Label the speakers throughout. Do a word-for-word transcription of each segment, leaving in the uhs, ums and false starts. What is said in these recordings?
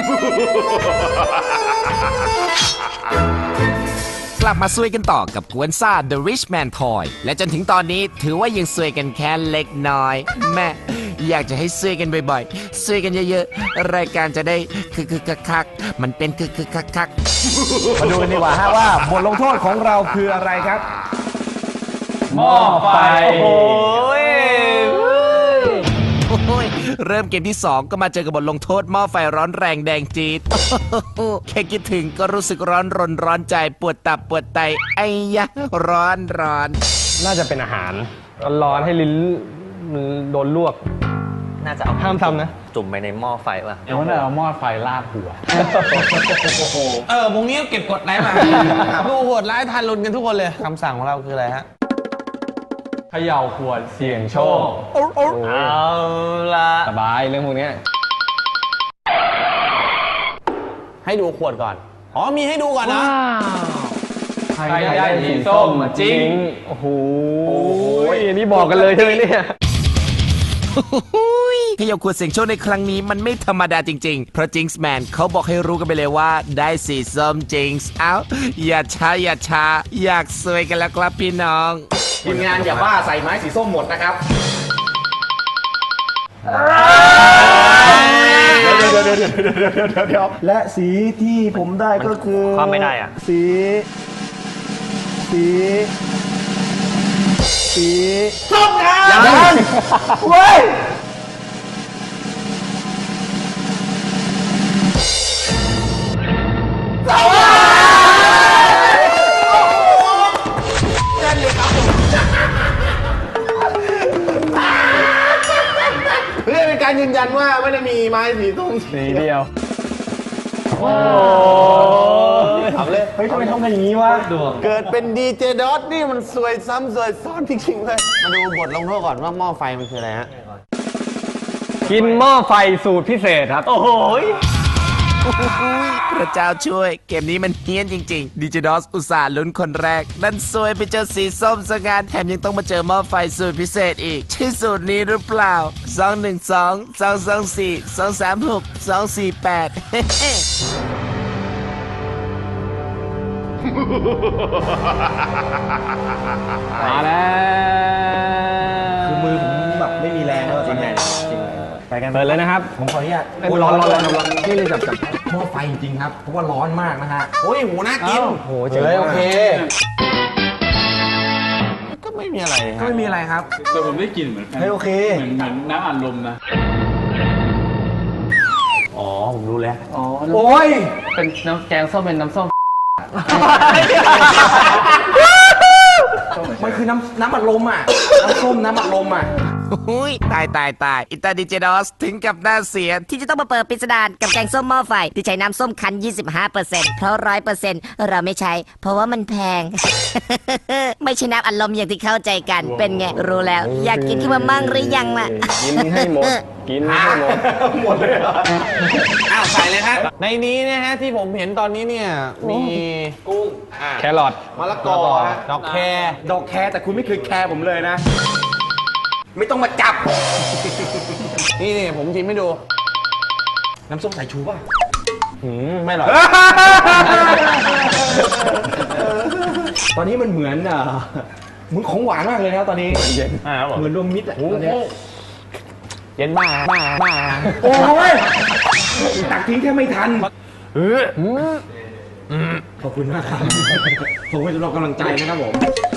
Speaker 1: กลับมาซวยกันต่อกับกวนซ่า The Rich Man Toy และจนถึงตอนนี้ถือว่ายังซวยกันแค่เล็กน้อยแม่อยากจะให้ซวยกันบ่อยๆซวยกันเยอะๆรายการจะได้คือคือคักๆมันเป็นคือคือคักๆ
Speaker 2: มาดูกันดีกว่าฮะว่าบทลงโทษของเราคืออะไรครับ
Speaker 3: หม้อไฟโอ้ย
Speaker 1: เริ่มเกมที่สองก็มาเจอกับบทลงโทษหม้อไฟร้อนแรงแดงจี๊ดแค่คิดถึงก็รู้สึกร้อนรนร้อนใจปวดตับปวดไตไอ้ยะร้อนร้อน
Speaker 2: น่าจะเป็นอาหารร้อนให้ลิ้นโดนลวก
Speaker 3: น่าจะเอา
Speaker 2: ห้ามทำนะ
Speaker 3: จุ่มไปในหม้อไฟป่ะ
Speaker 4: เดี๋ยวน่าเอาหม้อไฟลาดหัว
Speaker 5: เออวงนี้เก็บกดไหนมาดูโหดร้ายทารุณกันทุกคนเลยคำสั่งของเราคืออะไรฮะ
Speaker 4: เขย่าขวดเสี่ยงโชค
Speaker 3: เอาละ
Speaker 2: สบายเรื่องพวกนี้
Speaker 5: ให้ดูขวดก่อนอ๋อมีให้ดูก่อนนะ
Speaker 4: ใครได้สีส้มมาจริง
Speaker 2: โอ้โหนี่บอกกันเลยใช่ไหมเนี่ย
Speaker 1: เขย่าขวดเสียงโชคในครั้งนี้มันไม่ธรรมดาจริงๆเพราะจิงส์แมนเขาบอกให้รู้กันไปเลยว่าได้สีส้มจิงส์เอ้าอย่าช้าอย่าช้าอยากสวยกันแล้วครับพี่น้อง
Speaker 2: ทีมงานอย่าบ้าใส่ไม้สีส้มหมดนะครับเดี๋ยวเดี๋ยวเดี๋ยวเดี๋ยวเดี๋ยวเดี๋ยวเดี๋ยวและสีที่ผมได้ก็คือ
Speaker 3: ความไม่ได้อ่ะ
Speaker 2: สีสีสีส้มครับยังเว้ยเพื่อเป็นการยืนยันว่าไม่ได้มีไม้สีส้มสีเดียวโอ้ทำเลยเฮ้ยทำไมทำกันอย่างนี้วะเกิดเป็นดีเจดอทนี่มันสวยซ้ำสวยซ้อนจริงๆเลยมาดูบทลงโทษก่อนว่าหม้อไฟมันคืออะไรฮะกินหม้อไฟสูตรพิเศษครับโอ้โห
Speaker 1: พระเจ้าช่วยเกมนี้มันเฮี้ยนจริงๆดิจิดอสอุตส่าห์ลุ้นคนแรกนั่นซวยไปเจอสีส้มซะงั้นแถมยังต้องมาเจอหม้อไฟสูตรพิเศษอีกใช่สูตรนี้หรือเปล่าสอง หนึ่ง สอง สอง สอง สี่ สอง สาม หก สอง สี่ แปด
Speaker 2: มาแล้วคือมือผมแบบไม่มีแรงแล้วจริงไหมจริงไปกันเปิดเลยนะครับผมขออนุญาตร้อนร้อนร้อนร้อนนี่เลยจับจับหม้อไฟจริงครับเพราะว่าร้อนมากนะฮะ
Speaker 5: โอ้ยหูน่ากิน
Speaker 2: โอ้เจ๋อโอเค
Speaker 5: ก็ไม่มีอะไร
Speaker 2: ก็ไม่มีอะไรครับ
Speaker 4: แต่ผมได้กลิ่นเหมือน
Speaker 2: เฮ้ยโอเค
Speaker 4: เหมือนเหมือนน้ำอัดลมนะ
Speaker 2: อ๋อผมรู้แล้ว
Speaker 4: อ๋อ
Speaker 2: โอ้ย
Speaker 4: เป็นน้ำแกงส้มเป็นน้ำส้ม
Speaker 2: มันคือน้ำน้ำอัดลมอ่ะน้ำส้มน้ำอัดลมอ่ะ
Speaker 1: หุ้ยตายตายตายอิตาดิเจดอสถึงกับหน้าเสียที่จะต้องมาเปิดปริศดารกับแกงส้มหม้อไฟที่ใช้น้ำส้มคั้น ยี่สิบห้าเปอร์เซ็นต์ เพราะ ร้อยเปอร์เซ็นต์ เราไม่ใช้เพราะว่ามันแพง ไม่ใช่น้ำอัดลมอย่างที่เข้าใจกันเป็นไงรู้แล้วอยากกินขึ้นมามั่งหรือยังล่ะ
Speaker 2: กินให้หมดกินให้หมดหมดเลย
Speaker 5: อ้าวใส่เลยฮะในนี้นะฮะที่ผมเห็นตอนนี้เนี่ยมีกุ้ง
Speaker 2: แครอท
Speaker 5: มะละกอดอกแคร์
Speaker 2: ดอกแคร์แต่คุณไม่เคยแคร์ผมเลยนะไม่ต้องมาจับ
Speaker 5: นี่นี่ผมชิมให้ดู
Speaker 2: น้ำส้มสายชูป่ะหืมไม่หรอกตอนนี้มันเหมือนอ่ะเหมือนของหวานมากเลยนะตอนนี้เย็นเหมือนรวมมิตรอ่ะตอนนี้เย็นบ้าบ้าบ้าโอ้ยตักทิ้งแค่ไม่ทันเออขอบคุณมากครับผมให้สำหรับกำลังใจนะครับผม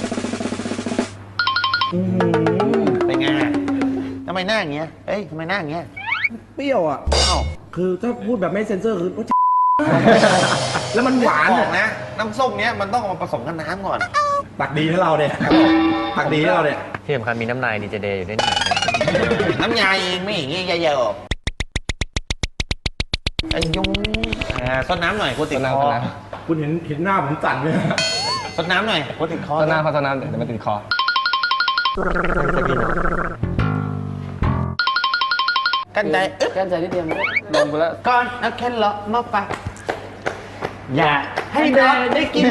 Speaker 5: เป็นไงทำไมหน้าอย่างเงี้ยเอ้ยทำไมหน้าอย่างเงี้ย
Speaker 2: เปรี้ยวอ่ะอ้าวคือถ้าพูดแบบไม่เซ็นเซอร์คือแล้วมันหวาน
Speaker 5: นะน้ำส้มเนี้ยมันต้องเอามาผสมกับน้ำก่อน
Speaker 2: ตักดีให้เราเนี่ยตักดีให้เราเนี่ย
Speaker 3: ที่สำคัญมีน้ำนายดีเจเดย์อยู่ด้วย
Speaker 5: น้ำยาเองไม่อย่างเงี้ยเยอะไอ้ยุงซดน้ำหน่อยกูติดคอ
Speaker 2: คุณเห็นเห็นหน้าผมสั่นไหม
Speaker 5: ซดน้ำหน่อยกูติดคอ
Speaker 2: ซดน้ำเขาซดน้ำเดี๋ยวมันติดคอ
Speaker 5: กันใจ
Speaker 2: กันใจนิดเดียวลงไปแล้ว
Speaker 5: ก่อนเอาแค่เลาะมาปะอย่าให้เด็กได้กิน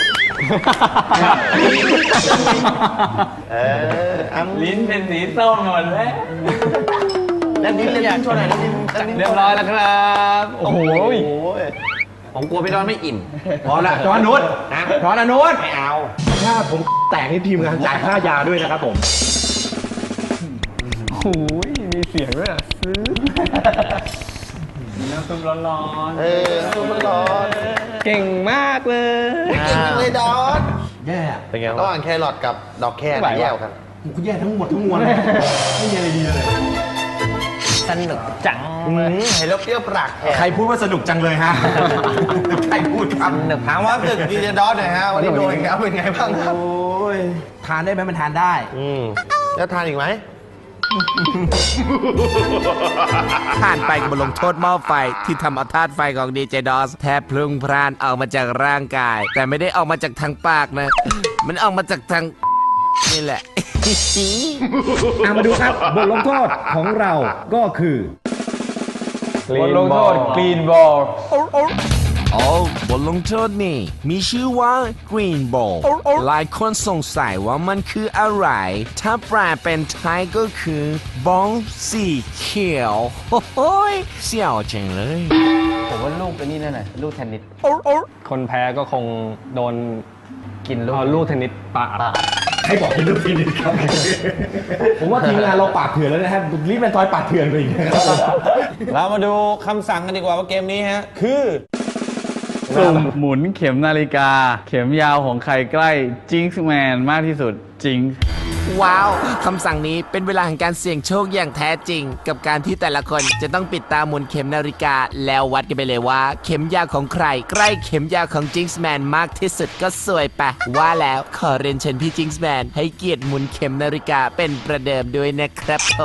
Speaker 5: เออ
Speaker 4: ลิ้นเป็นสีส้มหมดแล้ว
Speaker 5: แล้วลิ้นเลยช่วยหน่อยลิ้น
Speaker 4: เรียบร้อยแล้วครับ โอ้โห
Speaker 5: ผมกลัวพี่ดอนไม่อิ่ม
Speaker 3: พอละจอนนุชจอนอนุช
Speaker 5: ไม่เอา
Speaker 3: ถ้าผมแตกนี่ทีมงานจ่ายค่ายาด้วยนะครับผม
Speaker 4: โอ้ยมีเสียงด้วยอ่ะซื้อน้ำซุปร้อน
Speaker 2: เออซุปร้อน
Speaker 4: ๆเก่งมากเลย
Speaker 2: เก่งจังเลยดอน
Speaker 3: แย่
Speaker 5: เป็นไง
Speaker 2: ระห
Speaker 5: วะ
Speaker 2: ว่างแครอทกับดอกแคร
Speaker 4: ไม่ไหว
Speaker 2: แย่
Speaker 4: ว่ะ
Speaker 2: กัน
Speaker 3: กูแย่ทั้งหมดทั้งมวลเลยไม่มีอะไรดีเลย
Speaker 1: สนุกจัง
Speaker 2: เห็นแล้วเปรี้ยวปากแทน
Speaker 3: ใครพูดว่าสนุกจังเลยฮะ ใครพูดครับ
Speaker 2: ถามว่าตึกดีเจดอสหน่อยฮะวันนี้โดนอีกแล้วเป็นไงบ้างครับ
Speaker 3: โอ้ย ทานได้ไหมมันทานได้
Speaker 2: อืมแล้วทานอีกไหม
Speaker 1: ผ่านไปกับบทลงโทษหม้อไฟที่ทำเอาธาตุไฟของดีเจดอสแทบพลุงพล่านออกมาจากร่างกาย แต่ไม่ได้ออกมาจากทางปากนะ มันออกมาจากทางนี่แหละ
Speaker 3: อ่ะมาดูครับ บทลงโทษของเราก็คือ
Speaker 4: บทลงโทษกรีนบอล
Speaker 1: โอ้บทลงโทษนี่มีชื่อว่า Green Ball หลายคนสงสัยว่ามันคืออะไร ถ้าแปลเป็นไทยก็คือบอลสีเขียว โอ้โหยเสี่ยวจังเลย
Speaker 4: ผมว่าลูกเป็นนี่แน่ๆลูกเทนนิส คนแพ้ก็คงโดนกินลูกเอาลูกเทนนิสปาด
Speaker 3: ให้บอกเป็นลูกทีนิดครับ ผมว่าทีมงานเราปาดเถื่อนแล้วนะครับรีบเป็นทอยปาดเถื่อนไปอีกนะครับ
Speaker 5: เรามาดูคำสั่งกันดีกว่าว่าเกมนี้ฮะ คือ
Speaker 4: สุ่มหมุนเข็มนาฬิกา เข็มยาวของใครใกล้จิงส์แมนมากที่สุดจิง
Speaker 1: ว้าว คำสั่งนี้เป็นเวลาแห่งการเสี่ยงโชคอย่างแท้จริง กับการที่แต่ละคนจะต้องปิดตาหมุนเข็มนาฬิกา แล้ววัดกันไปเลยว่า เข็มยาวของใคร ใกล้เข็มยาวของจิงส์แมนมากที่สุดก็สวยปะว่าแล้วขอเรียนเชิญพี่จิงส์แมนให้เกียรติหมุนเข็มนาฬิกาเป็นประเดิมด้วยนะครับผม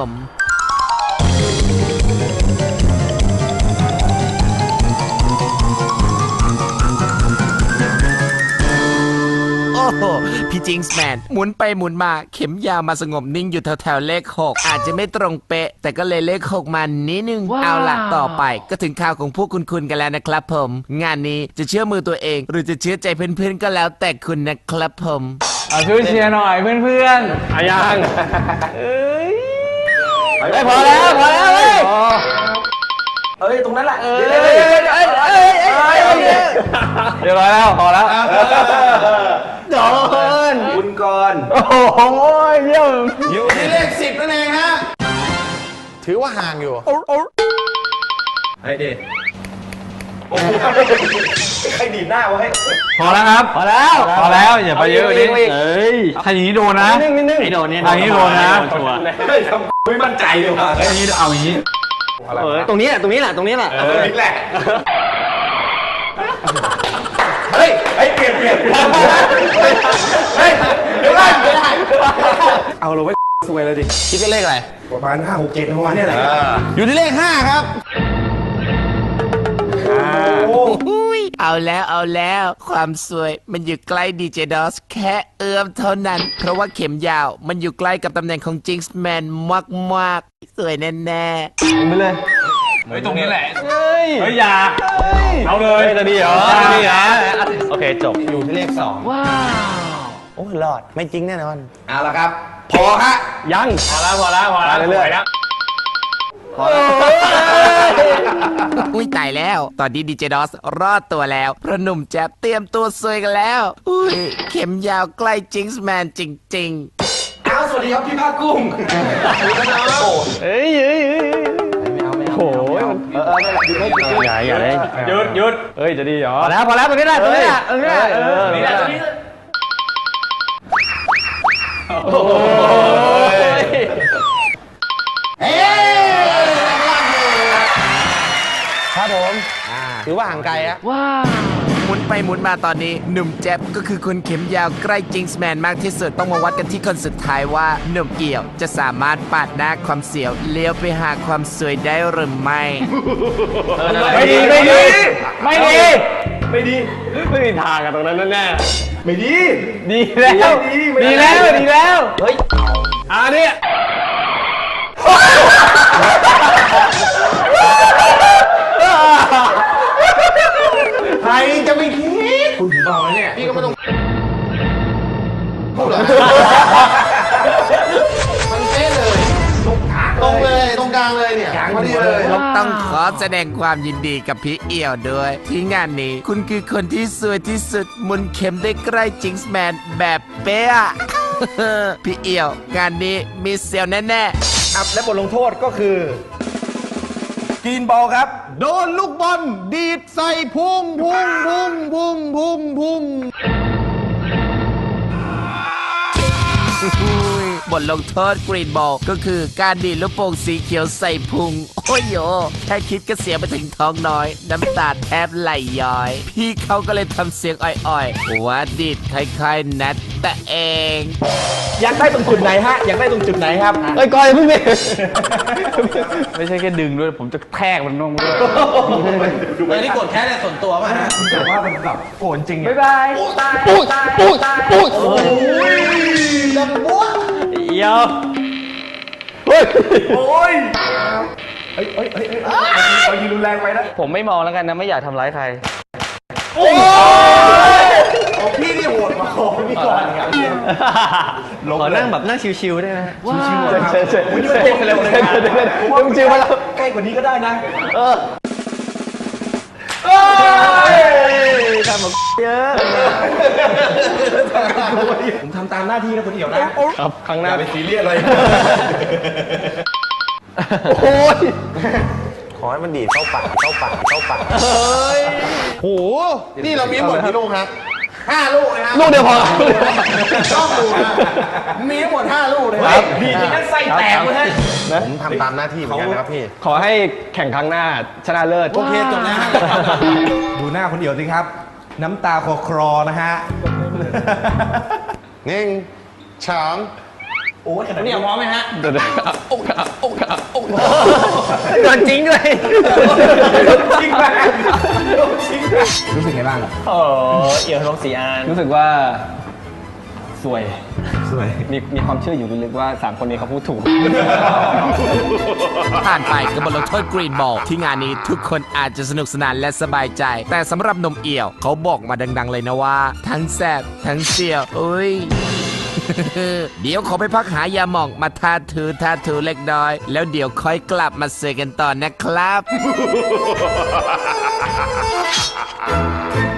Speaker 1: โอ้โห พี่จิงส์แมนหมุนไปหมุนมาเข็มยาวมาสงบนิ่งอยู่แถวๆเลขหกอาจจะไม่ตรงเป๊ะ แต่ก็เลยเลขหกมานิดนึง เอาล่ะ ต่อไปก็ถึงข่าวของพวกคุณคุณกันแล้วนะครับผม งานนี้จะเชื่อมือตัวเอง หรือจะเชื่อใจเพื่อนๆก็แล้วแต่คุณนะครับผม
Speaker 4: เอาช่วยเชียร์หน่อยเพื่อนๆอายังเอ้ยเฮ้ยพอแล้วพอแล้วเฮ้ย
Speaker 3: เอ้ย ตรงนั้นแหละ
Speaker 4: เอ้ยเอ้ยเอ้ยเอ้ยเอ้ยเรียบร้อยแล้วพอแล้ว
Speaker 3: โดนคุณก่อน
Speaker 4: โอ้โหเยี่ยม
Speaker 2: อยู่ที่เลขสิบนั่นเองฮะ ถือว่าห่างอยู่
Speaker 3: ไอ้เด็ดใครดีดหน้าวะให้
Speaker 4: พอแล้วครับพอแล้วพอแล้วอย่าไปเยอะดิเอ้ยถ้าอย่างนี้โดนนะไอ้โดนเนี่ยอย่างนี้โดนนะ
Speaker 3: เฮ้ยทำไม่มั่นใจเลยว่ะ
Speaker 4: ไอ้นี้เอาอย่างนี้
Speaker 3: เออตรงนี้แหละ ตรงนี้แหละ ตรงนี้แหละเออนี่แหละ เฮ้ยเฮ้ยเปลี่ยนเปลี่ยนเฮ้ยเดี๋ยวก่อนเอาเราไว้สวยเลยดิ
Speaker 5: คิดเป็นเลขอะไร
Speaker 3: ประมาณห้าหกเจ็ดประมาณนี้แหละ
Speaker 5: อยู่ที่เลขห้าครับ
Speaker 1: อุ้ยเอาแล้วเอาแล้ว ความสวยมันอยู่ใกล้ดีเจดอสแค่เอื้อมเท่านั้น เพราะว่าเข็มยาวมันอยู่ใกล้กับตำแหน่งของจิงส์แมนมากๆ สวยแน่ๆ
Speaker 4: ไปเลยเฮ้ยตรงนี้แหละเฮ้ยเฮ้ยอย่าเอาเลยจะดีเหรอจะดีเหรอโอเคจบ
Speaker 2: อยู่ที่เลขสอง
Speaker 4: ว้าว
Speaker 2: โอ้รอด ไม่จริงแน่นอน
Speaker 3: เอาละครับ พอฮะ
Speaker 4: ยังพอแล้วพอแล้วพอแล้วเรื่อยๆแล้ว
Speaker 1: อุ้ยตายแล้ว ตอนนี้ดีเจดอสรอดตัวแล้วเพราะหนุ่มแจ๊บเตรียมตัวซวยกันแล้ว อุ้ยเข็มยาวใกล้จิงส์แมนจริงๆ
Speaker 3: เอาสวัสดีครับพี่ภาคกุ้ง
Speaker 4: เฮ้ยเฮ้ยโอ้ยเออเอออย่าอย่าเลยหยุดหยุดเฮ้ยจะดีเหรอพอแล้วพอแล้วตรงนี้แหละตรงนี้แหละตรงนี้แหละเออตรงนี้แหละตรงนี้โอ้ย
Speaker 2: ครับผมถือว่าห่างไกลอะ
Speaker 1: หมุนไปหมุนมาตอนนี้หนุ่มแจ๊บก็คือคนเข็มยาวใกล้จิงส์แมนมากที่สุดต้องมาวัดกันที่คนสุดท้ายว่าหนุ่มเกี่ยวจะสามารถปาดหน้าความเสียวเลี้ยวไปหาความสวยได้หรือไม่
Speaker 4: ไม่ดีไม่ดีไม่ดีไม่ดีไม่มีทางอะตรงนั้นแน่
Speaker 3: ไม่ดี
Speaker 4: ดีแล้วดีแล้วดีแล้วเฮ้ยอ่านี่
Speaker 2: ใครจะไม่คิด
Speaker 3: คุณถึงบอกแล้วเนี่ย
Speaker 2: พี่ก็ไม่ต้องพูดเหรอมันเป๊ะเลย ตรงเลย ตรงกลางเลยเนี่ย
Speaker 3: กลางมา
Speaker 2: ดีเลย
Speaker 1: ต้องขอแสดงความยินดีกับพี่เอี่ยวด้วย ที่งานนี้คุณคือคนที่สวยที่สุดหมุนเข็มได้ใกล้จิงส์แมนแบบเป๊ะ พี่เอี่ยว งานนี้มีเซลแน่ๆ
Speaker 3: อับและบทลงโทษก็คือ กรีนบอลครับ
Speaker 2: โดนลูกบอลดีดใส่พุงพุงพุงพุงพุงพุง
Speaker 1: บทลงโทษกรีนบอลก็คือการดีดลูกโป่งสีเขียวใส่พุง โอ้ยโยแค่คิดก็เสียไปถึงท้องน้อย น้ำตาแทบไหลย้อย พี่เขาก็เลยทำเสียงอ่อยๆว่าดีดคล้ายๆนัดแต่เอง
Speaker 3: อยากได้ตรงจุดไหนฮะ อยากได้ตรงจุดไหนครับ
Speaker 4: เอ้ยก้อยเพิ่งนี่ไม่ใช่แค่ดึงด้วยผมจะแทกมันลงด้วย
Speaker 5: เออนี่โกรธแค่ในส่วนตัวป่ะฮะ
Speaker 3: แต่ว่ามันแบบโกรธจริง
Speaker 4: บ๊ายบายตาย
Speaker 2: อุ้ย
Speaker 4: ตาย
Speaker 2: อุ้ย
Speaker 4: ตาย
Speaker 2: อุ้ยดังบ้ว
Speaker 4: เดี๋ยว
Speaker 3: โอ้ยเฮ้ยเฮ้ยเฮ้ยเฮ้ยเอายิงรุนแรงไปนะ
Speaker 4: ผมไม่มองแล้วกันนะไม่อยากทำร้ายใคร
Speaker 2: ของพี่นี่โหดกว่าของพี่ก่อนครับ
Speaker 4: ขอนั่งแบบนั่งชิวๆได้ไหม
Speaker 3: ชิวๆเลยครับผมยืนเต้นเร็วเลยนะผมว่าจริงมาแล้วใกล้กว่านี้ก็ได้นะ
Speaker 4: เออทำแบบเยอะ
Speaker 3: ผมทำตามหน้าที่นะคุณเอี่ยวนะครับ
Speaker 4: ครั้งห
Speaker 3: อ
Speaker 4: น้า
Speaker 3: ย่าไปซีเรียสเลย
Speaker 4: โอ้ย
Speaker 2: ขอให้มันดีดเข้าปากเข้าปากเข้าปาก
Speaker 4: เฮ้ย
Speaker 2: โห นี่เรามีหมดกี่ลูกครับห้าลูกนะครับ
Speaker 4: ลูกเดียวพอ
Speaker 2: ต้องดูนะมีทั้งหมดห้าลูกเลย
Speaker 4: ครับ
Speaker 3: ดีจริงงั้นไส้แตกเลยฮะ
Speaker 2: ผมทำตามหน้าที่เหมือนกันนะครับพี่
Speaker 4: ขอให้แข่งครั้งหน้าชนะเลิศ
Speaker 5: โอเคจบแล้ว
Speaker 3: ดูหน้าคุณเอี่ยวสิครับ น้ำตาคลอคลอนะฮะ
Speaker 2: หนึ่งสอง
Speaker 3: โอ้ยขนาด
Speaker 5: เนี่
Speaker 3: นี้
Speaker 5: ยพร้อมไหมฮะ
Speaker 4: เดี๋ยวๆโอ้ขาโอ้ขาโอ้ขาโดนจริงด้วย
Speaker 3: จริงไหมจริงไหมรู้สึกไงบ้าง
Speaker 4: โอ้เอี่ยวทองสีอานรู้สึกว่าสวย
Speaker 3: สวย
Speaker 4: มีมีความเชื่ออยู่ลึกๆว่าสามคนนี้เขาพูดถูก
Speaker 1: ผ่านไปกับบทลงโทษกรีนบอลที่งานนี้ทุกคนอาจจะสนุกสนานและสบายใจ แต่สำหรับนมเอี่ยวเขาบอกมาดัง ๆ เลยนะว่า ทั้งแซบทั้งเสียวอุ้ย เดี๋ยวขอไปพักหายาหม่องมาทาถูทาถูเล็กน้อย แล้วเดี๋ยวค่อยกลับมาเสกันต่อนะครับ